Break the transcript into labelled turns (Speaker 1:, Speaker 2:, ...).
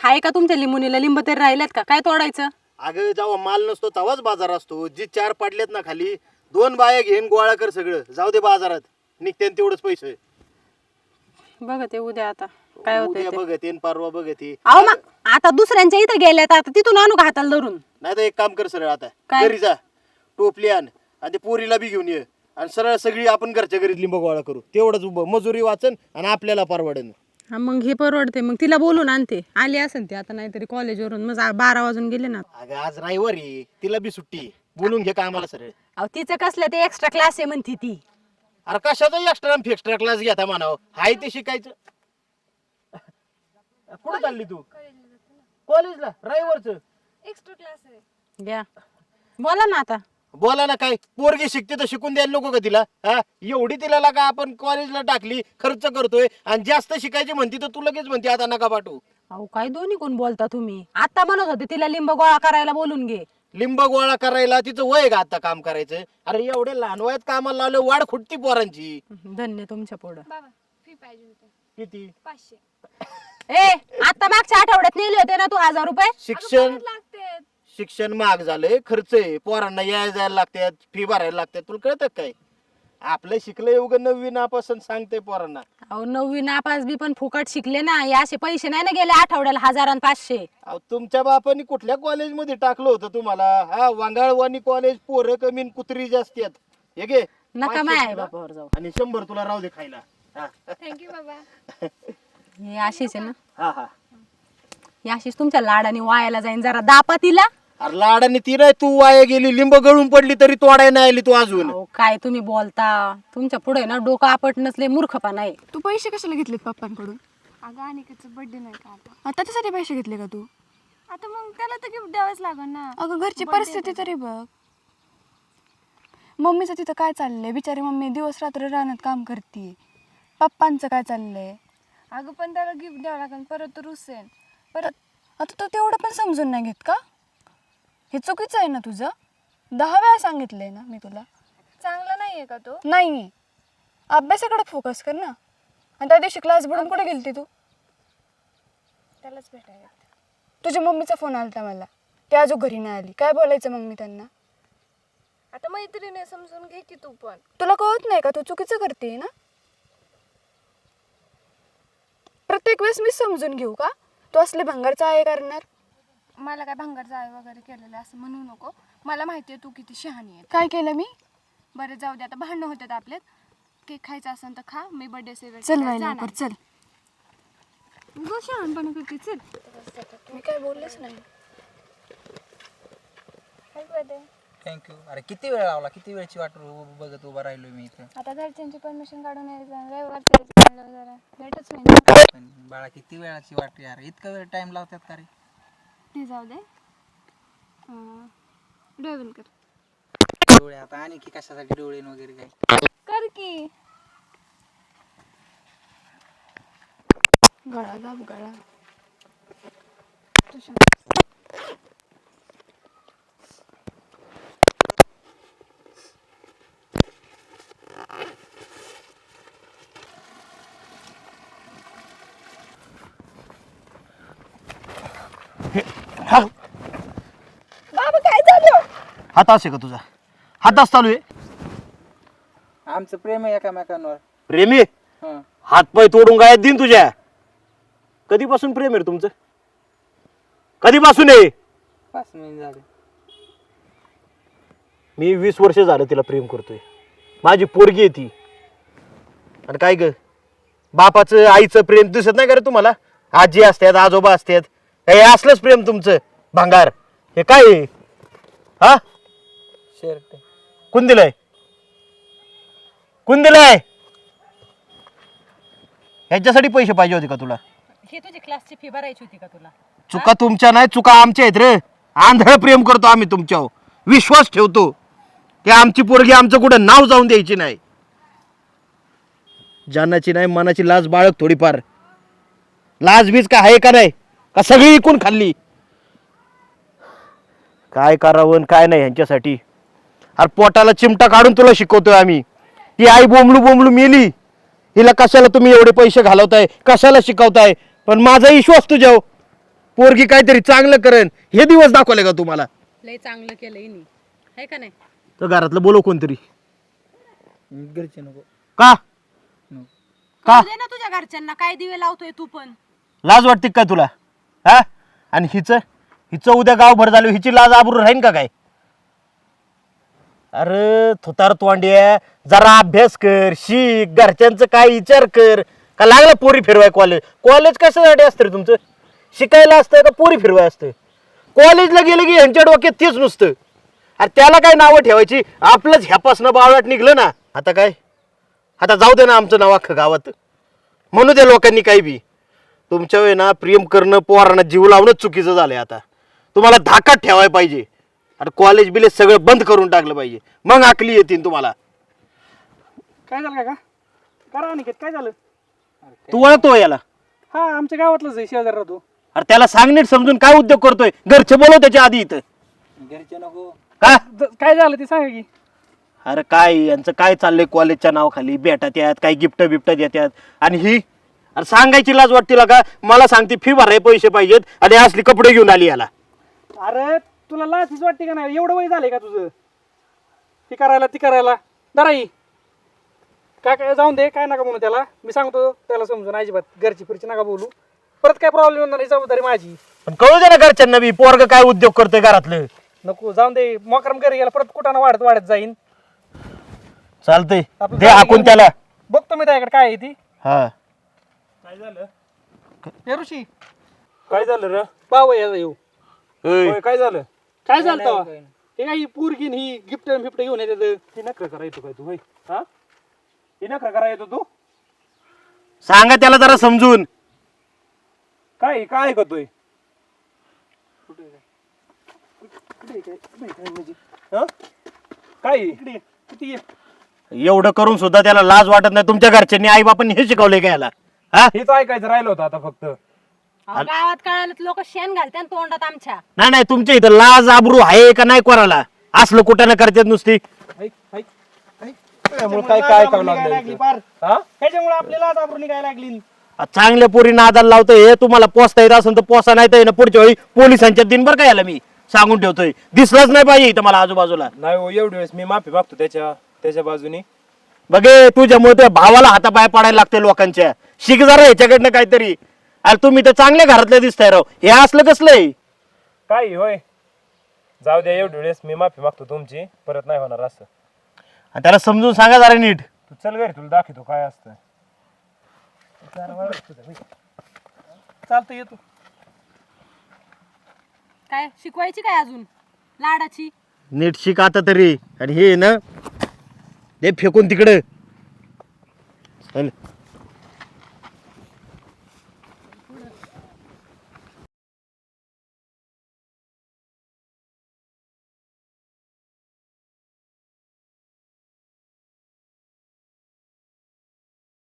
Speaker 1: हाय का तुमच्या लिंबुनीला लिंब तरी राहिलेत का? काय तोडायचं?
Speaker 2: अगं जेव्हा माल नसतो तेव्हाच बाजार असतो. जी 4 पाडलेत ना खाली 2 बाया घेऊन गोळा कर सगळं, जाऊ दे बाजारात, निघते तेवढंच पैसे.
Speaker 1: बघ ते उद्या आता काय होतंय
Speaker 2: उद्या
Speaker 1: ते.
Speaker 2: बघते परवा बघते.
Speaker 1: अहो मग आता दुसऱ्यांच्या इथं गेल्यात, आता तिथून आणू का हाताला धरून?
Speaker 2: नाही तर एक काम कर सरळ आता
Speaker 1: काय?
Speaker 2: घरी जा, टोपली आण आणि ते पोरीला बी घेऊन ये आणि सरळ सगळी आपण घरच्या घरी लिंब गोळा करू. तेवढंच मजुरी वाचन आणि आपल्याला परवडेल.
Speaker 1: हा मग हे परवडते. मग तिला बोलून आणते, आली असेल ती आता, नाहीतरी कॉलेजवरून मग 12 वाजून गेले ना.
Speaker 2: अगं आज रविवारी तिला बी सुट्टी, बोलून घे कामाला सरळ.
Speaker 1: अहो तिचं कसलं ते एक्स्ट्रा क्लास आहे म्हणते ती.
Speaker 2: अरे कशाचा एक्स्ट्रा क्लास घ्या म्हणावं, हाय ते शिकायचं. कुठे चालली तू? कॉलेजला रविवारचं
Speaker 3: एक्स्ट्रा क्लास आहे.
Speaker 1: घ्या बोला ना आता.
Speaker 2: बोला ना, काय पोरगी शिकते तर शिकून द्यायला नको का तिला? हा एवढी तिला लागा आपण कॉलेजला टाकली, खर्च करतोय आणि जास्त शिकायची म्हणती तर तू लगेच म्हणते आता नका पाठवू.
Speaker 1: अहो काय दोन्ही कोण बोलता तुम्ही? आता म्हणत होते तिला लिंब गोळा करायला बोलून घे.
Speaker 2: लिंब गोळा करायला तिचं वय का आता काम करायचं? अरे एवढे लहान वयात कामाला लावलं, वाढ खुटती पोरांची.
Speaker 1: धन्य तुमच्या पुढं.
Speaker 3: बाबा फी पाहिजे होते
Speaker 2: किती?
Speaker 3: 500.
Speaker 1: ए आता मागच्या आठवड्यात नेले होते ना तू 1000 रुपये.
Speaker 2: शिक्षण
Speaker 3: लागते.
Speaker 2: शिक्षण महाग झालंय, खर्च आहे, पोरांना यायला जायला लागतात, फी भरायला लागतात. तुला कळतं काय? आपलं शिकलंय उगं 9वी नापासून सांगते पोरांना.
Speaker 1: अहो 9वी नापास बी पण फुकट शिकले ना. हे असे पैसे नाही ना गेले आठवड्याला 1000 आणि 500.
Speaker 2: अहो तुमच्या बापानी कुठल्या कॉलेजमध्ये टाकलं होतं तुम्हाला? हा वांगाळवानी कॉलेज, पोरं कमी आणि कुत्री जास्ती आहेत. हे घे
Speaker 1: नका
Speaker 2: 500
Speaker 1: माय
Speaker 2: तुला
Speaker 1: बापावर जाऊ.
Speaker 2: आणि 100 तुला राहू दे खायला. हा
Speaker 3: थँक्यू बाबा.
Speaker 1: हे अशीच आहे ना,
Speaker 2: हा हा.
Speaker 1: हे अशीच तुमच्या लाडाने वायाला जाईन. जरा दापा तिला.
Speaker 2: अरे लाडाने ती नाही, तू वाया गेली, लिंब गळून पडली तरी तोडाय नाही आली तू अजून.
Speaker 1: अहो काय तुम्ही बोलता? तुमच्या पुढे ना डोकं आपट नसले मूर्खपणा आहे.
Speaker 4: तू पैसे कशाला घेतलेत पप्पांकडून?
Speaker 3: अगं अनिकेचा बर्थडे नाही का आता?
Speaker 4: आता त्यासाठी पैसे घेतले का तू?
Speaker 3: आता मग त्याला तर गिफ्ट द्यावंच लागेल ना.
Speaker 4: अगं घरची परिस्थिती तरी बघ. मम्मीचं तिथं काय चाललंय? बिचारी मम्मी दिवस रात्र रानात काम करते. पप्पांचं काय चाललंय?
Speaker 3: अगं पण त्याला गिफ्ट द्यावं लागेल, परत तर रुसेल.
Speaker 4: परत आता तू तेवढं पण समजून नाही घेत का? हे चुकीचं आहे ना तुझं. 10 वेळा सांगितलंय ना मी तुला.
Speaker 3: चांगला नाहीये का तो?
Speaker 4: नाही, अभ्यासाकडे फोकस कर ना. आणि त्या दिवशी क्लास बुडून कुठे गेलती तू?
Speaker 3: त्यालाच भेटायला.
Speaker 4: तुझ्या मम्मीचा फोन आलता मला, ती अजून घरी नाही आली. काय बोलायचं मग मी त्यांना?
Speaker 3: आता मैत्रिणी समजून घे की तू पण.
Speaker 4: तुला कळत नाही का तू चुकीचं करते ना? प्रत्येक वेळेस मी समजून घेऊ का? तू असले भंगारचा आहे करणार?
Speaker 3: मला काय भंगार जाय वगैरे केलेलं असं म्हणू नको. मला माहिती आहे तू किती शहाणी आहे.
Speaker 4: काय केलं मी?
Speaker 3: बरं जाऊ दे, आता भांडणं होतात आपल्यात. केक खायचा असेल तर खा, मी बर्थडे सेलिब्रेट
Speaker 4: चल बाई लवकर चल.
Speaker 3: गो शहाणपणा करते. चल.
Speaker 4: मी काय बोललेच नाही.
Speaker 3: Happy birthday.
Speaker 5: थँक्यू. अरे किती वेळ लावला, किती वेळची वाट बघत उभा राहिलो मी इथं.
Speaker 3: आता घरच्यांची परमिशन काढून यायचं, रविवार जरा लेटच होईल.
Speaker 5: पण बाळा किती वेळाची वाट यार, इतका वेळ टाइम लावतात का रे?
Speaker 3: ते जाऊ दे. डोळे बंद कर.
Speaker 5: डोळे आता आणि की कशासाठी डोळे वगैरे काय?
Speaker 3: कर की.
Speaker 4: गळा दाब गळा.
Speaker 3: बाबा काय झालं?
Speaker 2: हात असे का तुझा? हात चालू आहे.
Speaker 5: आमचं प्रेम आहे एकामेकांवर.
Speaker 2: प्रेमी
Speaker 5: हं.
Speaker 2: हात पाय तोडून गायत दिन तुझ्या. कधीपासून प्रेम आहे रे तुमचं? कधीपासून आहे?
Speaker 5: 5 महिने झाले.
Speaker 2: मी 20 वर्ष झालं तिला प्रेम करतोय. माझी पोरगी आहे ती. आणि काय ग, बापाचं आईचं प्रेम दिसत नाही का रे तुम्हाला? आजी असतात, आजोबा असतात, हे असलंच प्रेम तुमचं भांगार. हे काय आहे? हा
Speaker 5: शर्ट
Speaker 2: कोण दिलंय? कोण दिलंय? ह्याच्यासाठी पैसे पाहिजे होते का तुला?
Speaker 1: ही तुझी क्लासची फी भरायची होती का तुला?
Speaker 2: चुका तुमच्या नाही, चुका आमच्या आहेत रे. आंधळ प्रेम करतो आम्ही तुमच्यावर, विश्वास ठेवतो की आमची पोरगी आमचं कुठं नाव जाऊन द्यायची नाही. जानाची नाही मनाची लाज बाळग थोडीफार. लाज बीज का आहे का नाही? का सगळी इकून खाल्ली? काय करावं काय नाही ह्यांच्यासाठी. अरे पोटाला चिमटा काढून तुला शिकवतोय आम्ही. ती आई बोंबलू बोंबलू मेली. हिला कशाला तुम्ही एवढे पैसे घालवताय, कशाला शिकवताय? पण माझा विश्वास तुझ्यावर, पोरगी काहीतरी चांगलं करेन हे दिवस दाखवले का तुम्हाला?
Speaker 1: लय चांगलं केलं हिने आहे का नाही?
Speaker 2: तर घरातलं बोलव कोणतरी.
Speaker 5: घरचे नको.
Speaker 2: का
Speaker 1: कळू दे ना तुझ्या घरच्यांना, काय दिवे लावतोय तू पण.
Speaker 2: लाज वाटते काय तुला? हा आणि हिचं उद्या गावभर झालं हिची लाज आबरू राहीन का काय? अरे थोतार तोंड्या जरा अभ्यास कर, शिक, घरच्यांचं काय विचार कर. का लागलं पोरी फिरवाय कॉलेज कशासाठी असतं रे तुमचं? शिकायला असतं का पोरी फिरवाय असतं? कॉलेजला गेलं की यांच्या डोक्यात तेच नुसतं. अरे त्याला काय नावं ठेवायची? आपलंच ह्यापासनं बावळाट निघलं ना. आता काय? आता जाऊ दे ना आमचं नाव अख्खं गावात. म्हणू द्या लोकांनी काही बी. तुमच्या वेळी ना प्रेम करणं पोरांना जीव लावणं चुकीचं झालंय. आता तुम्हाला धाकात ठेवायला पाहिजे. आणि कॉलेज बिलेज सगळं बंद करून टाकलं पाहिजे, मग आकली येतील तुम्हाला.
Speaker 6: काय झालं का करा अनिकेत, काय झालं?
Speaker 2: तू ओळखतो याला?
Speaker 6: हा आमच्या गावातलाच आहे, शेजार राहतो.
Speaker 2: अरे त्याला सांग नीट समजून काय उद्योग करतोय. घरचे बोलव त्याच्या आधी इथं.
Speaker 5: घरचे नको.
Speaker 2: का?
Speaker 6: काय झालं ते सांगा की.
Speaker 2: अरे काय यांचं काय चाललंय? कॉलेजच्या नावाखाली भेटत यात काही गिफ्ट बिफ्ट देतात आणि ही अरे सांगायची लाज वाटते का? मला सांगते फी भराय पैसे पाहिजेत आणि असली कपडे घेऊन आली याला.
Speaker 6: अरे तुला लाचीच वाटते का नाही? एवढं वय झालंय का तुझं? ती करायला दराई काय काय जाऊन दे, काय नका म्हणू त्याला. मी सांगतो त्याला समजून, अजिबात घरची फिरची नका बोलू. परत काय प्रॉब्लेम होणार नाही, जबाबदारी माझी.
Speaker 2: पण कळू दे ना घरच्यांना बी पोरग काय उद्योग करतोय घरातलं.
Speaker 6: नको जाऊन दे, मोकरम घरी गेला परत कुठानं वाढत जाईन.
Speaker 2: चालतंय
Speaker 6: आपलं
Speaker 2: दे
Speaker 6: गाडी
Speaker 2: हाकून
Speaker 6: घेऊन
Speaker 2: त्याला.
Speaker 6: बघतो मी त्याकडे काय आहे ती.
Speaker 2: हा
Speaker 6: काय झालं हे ऋषी?
Speaker 5: काय झालं रे?
Speaker 6: बाव याचा येऊ.
Speaker 2: ओय,
Speaker 5: काय झालं?
Speaker 6: काय झालं तेव्हा? हे काही पोरगीन ही गिफ्ट फिफ्ट घेऊन येते.
Speaker 5: ती नखरं करायचो काय तू होय? हा ती नखरं करायचो तू?
Speaker 2: सांगा त्याला जरा समजून.
Speaker 5: काय काय ऐकतोय? काय
Speaker 6: किती
Speaker 2: एवढं करून सुद्धा त्याला लाज वाटत नाही. तुमच्या घरच्यांनी आई बापांनी हे शिकवलंय का याला? हा
Speaker 5: हेच ऐकायचं राहिलं होतं आता फक्त.
Speaker 1: अहो, गावात कळालं लोक शेण घालते तोंडात आमच्या.
Speaker 2: नाही नाही तुमच्या इथं लाज आबरू आहे का नाही कोणाला? असलं कुठं ना करतात नुसती.
Speaker 5: काय काय ऐकावं लागलं? हा
Speaker 6: त्याच्यामुळे आपल्याला आज आबरू निघायला लागली.
Speaker 2: चांगल्या पोरी नादाला लावतोय. हे तुम्हाला पोचता येत असेल तर पोसा नाही तर पुढच्या वेळी पोलिसांच्या दिनभर काय याला मी सांगून ठेवतोय. दिसलंच नाही पाहिजे इथं मला आजूबाजूला.
Speaker 5: नाही हो, एवढी वेळेस मी माफी मागतो त्याच्या बाजूने.
Speaker 2: बघे तुझ्यामुळे त्या भावाला हातापाय पडायला लागते लोकांच्या. शिक जरा ह्याच्याकडनं काहीतरी. अरे तुम्ही तर चांगल्या घरातले दिसताय राव. हे असलं कसलंय?
Speaker 5: काय होय? जाऊ द्या, एवढी वेळेस मी माफी मागतो तुमची, परत नाही होणार असं.
Speaker 2: आणि त्याला समजून सांगा जरा नीट.
Speaker 5: तू चल घरी, तुला दाखवतो काय असतं.
Speaker 6: चालतं येतो.
Speaker 1: काय शिकवायची काय अजून लाडाची?
Speaker 2: नीट शिक आता तरी. आणि हे ना ते फेकून तिकडं. चल